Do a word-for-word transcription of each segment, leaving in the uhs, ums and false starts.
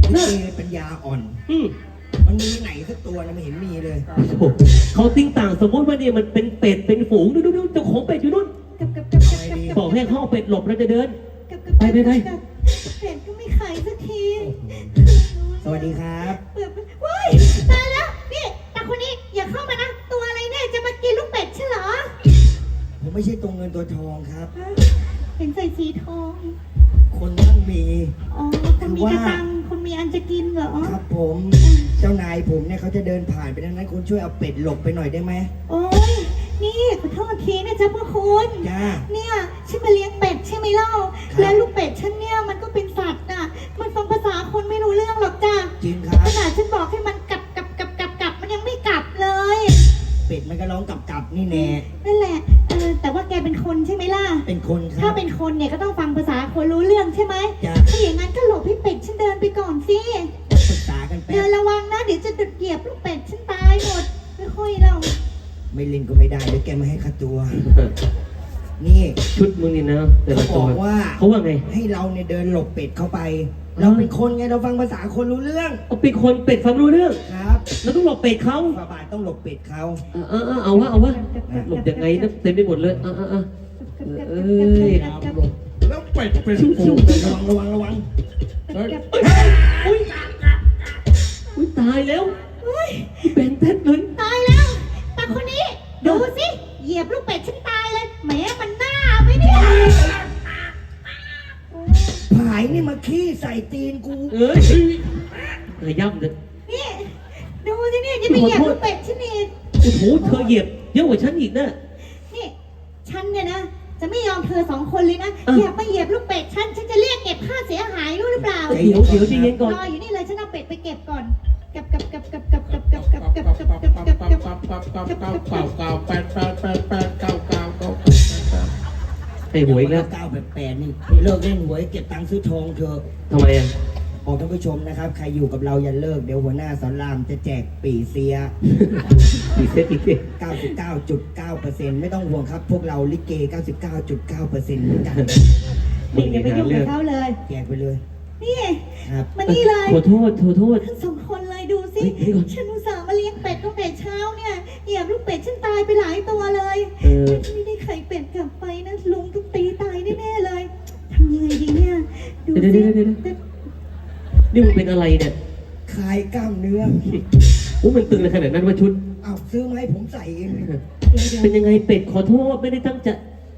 ลิเกปัญญาอ่อนอืมมันมีไหนสักตัวนะไม่เห็นมีเลยเขาติ้งต่างสมมติว่าเนี่ยมันเป็นเป็ดเป็นฝูงดูดูดูเจ้าของเป็ดอยู่นู่นกับกับกับกับกับบอกให้เขาเอาเป็ดหลบแล้วจะเดินกับกับไปไปไปกับเป็ดก็ไม่ขายสักทีสวัสดีครับเปิดไปว้ายตายแล้วนี่ตาคนนี้อย่าเข้ามานะตัวอะไรเนี่ยจะมากินลูกเป็ดใช่เหรอผมไม่ใช่ตัวเงินตัวทองครับฮะเห็นใส่สีทองคนต้องมีอ๋อคนมีกระตังคนมีอันจะกินเหรอครับผม เจ้านายผมเนี่ยเขาจะเดินผ่านไปทางนั้นคุณช่วยเอาเป็ดหลบไปหน่อยได้ไหมโอ้ยนี่ขอโทษทีนะจ๊ะพ่อคุณจ้าเนี่ยฉันมาเลี้ยงเป็ดใช่ไหมเล่าครับแล้วลูกเป็ดฉันเนี่ยมันก็เป็นสัตว์น่ะ มันฟังภาษาคนไม่รู้เรื่องหรอกจ้ะจริงครับขนาดฉันบอกให้มันกลับกลับกลับกลับกลับมันยังไม่กลับเลยเป็ดมันก็ร้องกลับกลับๆนี่แน่นั่นแหละเออแต่ว่าแกเป็นคนใช่ไหมล่ะเป็นคนคถ้ารับเป็นคนเนี่ยก็ต้องฟังภาษาคนรู้เรื่องใช่ไหมจ้ะถ้าอย่างนั้นก็หลบให้เป็ดฉันเดินไปก่อนสิปรึกษากันแป๊เดิบนระวังนะเดี๋ยวจะดุดเหยียบลูกเป็ดฉันตายหมดไม่ค่อยเราไม่เล่นก็ไม่ได้เดี๋ยวแกไม่ให้ค่าตัว นี่ชุดมึงนี่นะแต่เขาละบตัวอกว่าเขาว่าไงให้เราเนี่ยเดินหลบเป็ดเข้าไป เราเป็นคนไงเราฟังภาษาคนรู้เรื่องเอาเป็นคนเป็ดฟังรู้เรื่องครับแล้วต้องหลบเป็ดเขาฝาบาทต้องหลบเป็ดเขาเออเออเออเอาวะเอาวะหลบยังไงนะเต็มไปหมดเลยเออเออเออ เอ้ยแล้วเป็ดเป็นฝูงระวังระวังระวังเฮ้ยอุ้ยอุ้ยตายแล้วเฮ้ยเป็นเท็ดเลยตายแล้วตาคนนี้ดูสิเหยียบลูกเป็ดฉันตายเลยแหมมันหน้าไหมเนี่ยผายนี่มาขี้ใส่ตีนกูเอ้ยเออย่ำเลยนี่ดูสิเนี่ยจะไปเหยียบลูกเป็ดฉันอีกโอ้โหเธอเหยียบเยอะกว่าฉันอีกนะนี่ฉันเนี่ยนะ จะไม่ยอมเธอสองคนเลยนะอ่ะอย่าไปเหยียบลูกเป็ดฉันฉันจะเรียกเก็บค่าเสียหายรู้หรือเปล่าเดี๋ยวเดี๋ยวใจเย็นก่อนรออยู่นี่เลยฉันเอาเป็ดไปเก็บก่อนเก็บเก็บเก็บเก็บเก็บเก็บเก็บเก็บเก็บเก็บเก็บเก็บเก็บเก็บเก้าเก้าเก้าเก้าเก้าเก้าแปดแปดแปดแปดเก้าเก้าเก้าไอ้หวยอีกแล้วเก้าแบบแปดนี่เลิกเล่นหวยเก็บตังค์ซื้อทองเถอะทำไมอ่ะบอกท่านผู้ชมนะครับ ใครอยู่กับเราอย่าเลิกเดี๋ยวหัวหน้าสอนรามจะแจกปีเสียอีกเซตอีกเซตเก้าสิบเก้าจุดเก้าเปอร์เซ็นต์ ไม่ต้องห่วงครับ พวกเราลิเก เก้าสิบเก้าจุดเก้าเปอร์เซ็นต์ เหมือนกันนี่อย่าไปยุ่งกับเขาเลยแจกไปเลยนี่ครับมานี่เลยขอโทษขอโทษทั้งสองคนเลยดูสิเฮ้ยเดี๋ยวก่อนฉันอุตส่าห์มาเลี้ยงเป็ดตั้งแต่เช้าเนี่ยเหยียบลูกเป็ดฉันตายไปหลายตัวเลยเออไม่ได้ไข่เป็ดกลับไปนะลุงต้องตีตายแน่ๆเลยทำยังไงดีเนี่ยดูเดี๋ยวสิเดี๋ยวเดี๋ยวเดี๋ยวนี่มึงเป็นอะไรเนี่ยคลายกล้ามเนื้อโอ้มันตึงเลยขนาดนั้นว่าชุดเอาซื้อมาให้ผมใส่เองเป็นยังไงเป็ดขอโทษไม่ได้ตั้งใจ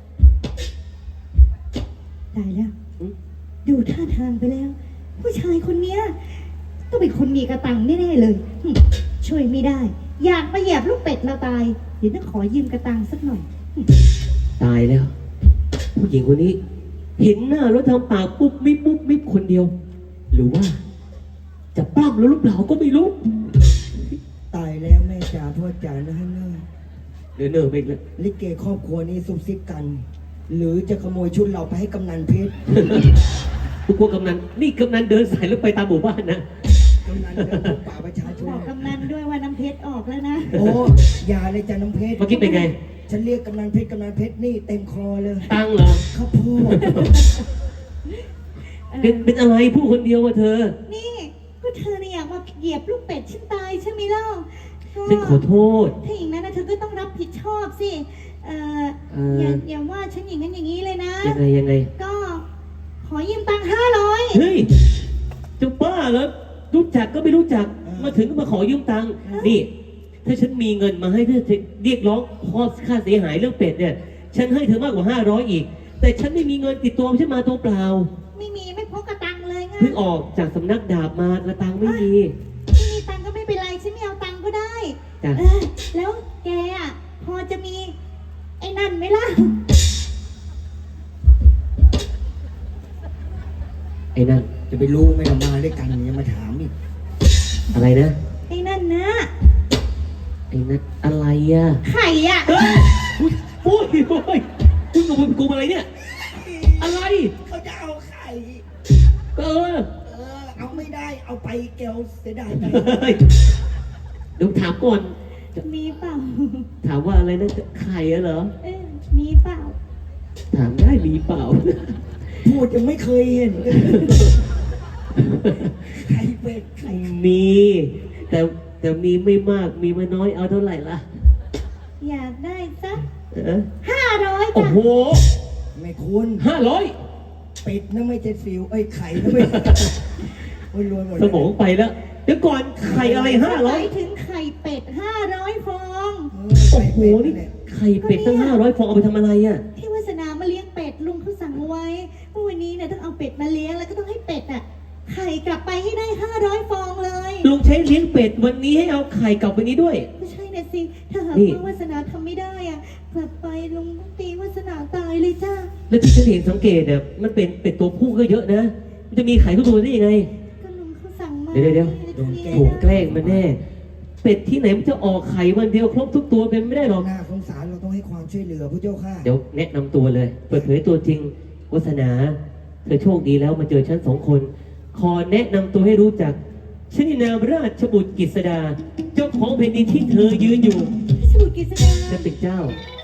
ตายแล้ว ดูท่าทางไปแล้ว ผู้ชายคนเนี้ยต้องเป็นคนมีกระตังแน่ๆเลยหึช่วยไม่ได้ อยากมาเหยียบลูกเป็ดเราตายเดี๋ยวต้องขอยืมกระตังสักหน่อยตายแล้ว ผู้หญิงคนนี้ เห็นหน้าแล้วทำปากปุ๊บมิบปุ๊บมิบคนเดียว หรือว่า จะปล้ำแล้วหรือเปล่าก็ไม่รู้ตายแล้วแม่จ๋าพ่อจ๋านะฮะเนอเดี๋ยวเนอไปอีกแล้วลิเกครอบครัวนี้ซุบซิบกัน หรือจะขโมยชุดเราไปให้กำนันเพชรกูกลัวกำนันนี่กำนันเดินสายแล้วไปตามหมู่บ้านนะกำนันเดินพบป่าประชาชนบอกกำนันด้วยว่าน้ำเพชรออกแล้วนะโอ้อย่าเลยจ้ะน้ำเพชรเมื่อกี้เป็นไงฉันเรียกกำนันเพชรกำนันเพชรนี่เต็มคอเลยตังเหรอข้าวโพดเป็นเป็นอะไรพูดคนเดียววะเธอนี่ก็เธอเนี่ยอยากมาเหยียบลูกเป็ดฉันตายใช่ไหมเล่าก็ฉันขอโทษถ้าอย่างนั้นนะเธอก็ต้องรับผิดชอบสิเอ่อเอ่อออย่าอย่าว่าฉันอย่างนั้นอย่างนี้เลยนะยังไงยังไงก็ขอยืมตังค์ห้าร้อยเฮ้ยจะบ้าเหรอรู้จักก็ไม่รู้จัก มาถึงก็มาขอยืมตังค์นี่ ถ้าฉันมีเงินมาให้เธอเรียกร้องข้อค่าเสียหายเรื่องเป็ดเนี่ย ฉันให้เธอมากกว่าห้าร้อยอีก แต่ฉันไม่มีเงินติดตัวฉันมาตัวเปล่าไม่มีไม่พกกระตังเลยไงเพิ่งออกจากสำนักดาบมากระตังไม่มีไม่มีตังค์ก็ไม่เป็นไรฉันไม่เอาตังค์ก็ได้จ้ะเออแล้วแกอ่ะพอจะมี ไอ้นั่นไหมล่ะไอ้นั่นจะไปรู้ไหมเรามาด้วยกันยังมาถามอีกอะไรนะไอ้นั่นนะไอ้นั่นอะไรอ่ะไข่อ่ะเฮ้ยอุ๊ยโอ้ยโอ้ยคุณกับคุณกูอะไรเนี่ย อะไรเขาจะเอาไข่ก็เออเออ เอาไม่ได้ เอาไปแกวเสียดายไปเฮ้ยเดี๋ยวถามก่อนมีเปล่าถามว่าอะไรนะไข่อะเหรอเออมีเปล่าถามได้มีเปล่าพูดยังไม่เคยเห็นเลยไข่เป็ดไข่มี แต่แต่มีไม่มากมีไม่น้อยเอาเท่าไหร่ล่ะอยากได้สักเออห้าร้อยโอ้จ้ะโหไม่คุ้นห้าร้อยเป็ดนะไม่เจ็ดสิวเอ้ยไข่นะไม่โอ้ยรวยหมดสมองไปแล้ว เดี๋ยวก่อนไข่อะไรห้าหร้อมาย ยถึงไข่เป็ดห้าร้อยฟองเออโอ้ไข่โหเป็ดนี่นี่แหละไข่เป็ดตั้งห้าร้อยฟองเอาไปทำอะไรอ่ะที่วาสนามาเลี้ยงเป็ดลุงเขาสั่งเอาไว้ว่าวันนี้เนี่ยต้องเอาเป็ดมาเลี้ยงแล้วก็ต้องให้เป็ดอ่ะไข่กลับไปให้ได้ห้าร้อยฟองเลยลุงใช้เลี้ยงเป็ดวันนี้ให้เอาไข่กลับไปนี้ด้วยไม่ใช่เนี่ยสิถ้าหากนี่ว่าวาสนาทำไม่ได้อ่ะกลับไปลุงต้องตีวาสนาตายเลยจ้าแล้วที่ฉันเห็นสังเกตเนี่ยมันเป็นเป็ดตัวผู้ก็เยอะนะ มันจะมีไข่ทุกตัวได้ยังไงก็ลุงเขาสั่งมาเดี๋ยวเดี๋ยวโดนแกล้ถูกแกล้งมันแน่ เป็ดที่ไหนมันจะออกไข่วันเดียวครบทุกตัวเป็นไม่ได้หรอกน่าสงสารเราต้องให้ความช่วยเหลือผู้เจ้าค่ะเดี๋ยวแนะนำตัวเลย เปิดเผยตัวจริงวัฒนา เธอโชคดีแล้วมาเจอฉันสองคน ขอแนะนำตัวให้รู้จักชนินามราชบุตรกฤษดา เจ้าของแผ่นดินที่เธอยืนอยู่สมุทรกฤษดาฉันเป็นเจ้า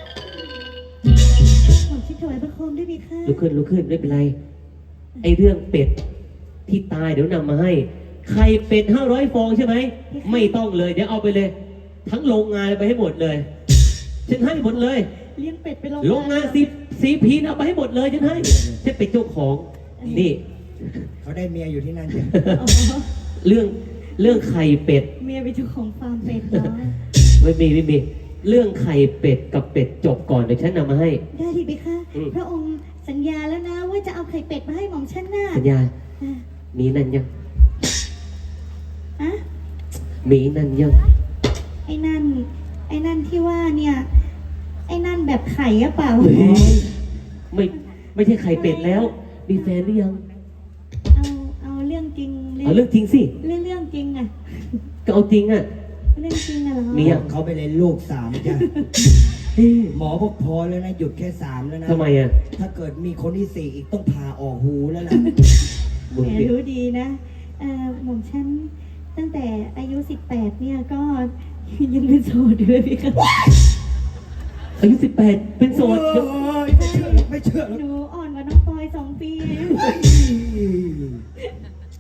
ขอชิดถวายพระโคมด้วยดีค่ะลุกขึ้นลุกขึ้นไม่เป็นไร ไอเรื่องเป็ดที่ตายเดี๋ยวนำมาให้ ไข่เป็ดห้าร้อยฟองใช่ไหม ไม่ต้องเลย เดี๋ยวเอาไปเลย ทั้งโรงงานไปให้หมดเลย ฉันให้หมดเลยเลี้ยงเป็ดไปโรงโรงงานซีซีพีนเอาไปให้หมดเลยฉันให้ฉันเป็นเจ้าของ นี่เขาได้เมียอยู่ที่นั่นจ้ะอ๋อเรื่องเรื่องไข่เป็ดเมียเป็นเจ้าของฟาร์มเป็ดเนาะไม่มีไม่มี เรื่องไข่เป็ดกับเป็ดจบก่อนเดี๋ยวฉันนำมาให้ได้ดีไหมคะอืมพระองค์สัญญาแล้วนะว่าจะเอาไข่เป็ดมาให้หม่อมฉันน่ะสัญญาอ่ะมีนั่นยังอะมีนั่นยังไอ้นั่น ไอ้นั่นที่ว่าเนี่ย ไอ้นั่นแบบไข่อะเปล่าเฮ้ยไม่ไม่ใช่ไข่เป็ดแล้ว มีแฟนหรือยังเอาเอาเรื่องจริงเอาเรื่องจริงสิเรื่องเรื่องจริงอะก็เอาจริงอ่ะเรื่องจริงอะเหรอมีอะเขาไปเลยลูกสามจ้ะหมอบอกพอแล้วนะหยุดแค่สามแล้วนะทำไมอ่ะถ้าเกิดมีคนที่สี่อีกต้องผ่าออกหูแล้วล่ะมึงแหมเนี่ยรู้ดีนะเอ่อหม่อมฉันตั้งแต่อายุสิบแปดเนี่ยก็ยังเป็นโสดอยู่เลยพี่คะอายุสิบแปดเป็นโสดโอ้ยไม่เชื่อไม่เชื่อหนูอ่อนกว่าน้องปอยสองปีเอง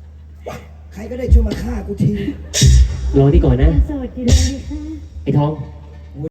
ใครก็ได้ช่วยมาฆ่ากูทีรอนี่ก่อนนะยังโสดอยู่เลยพี่คะไอ้ทองค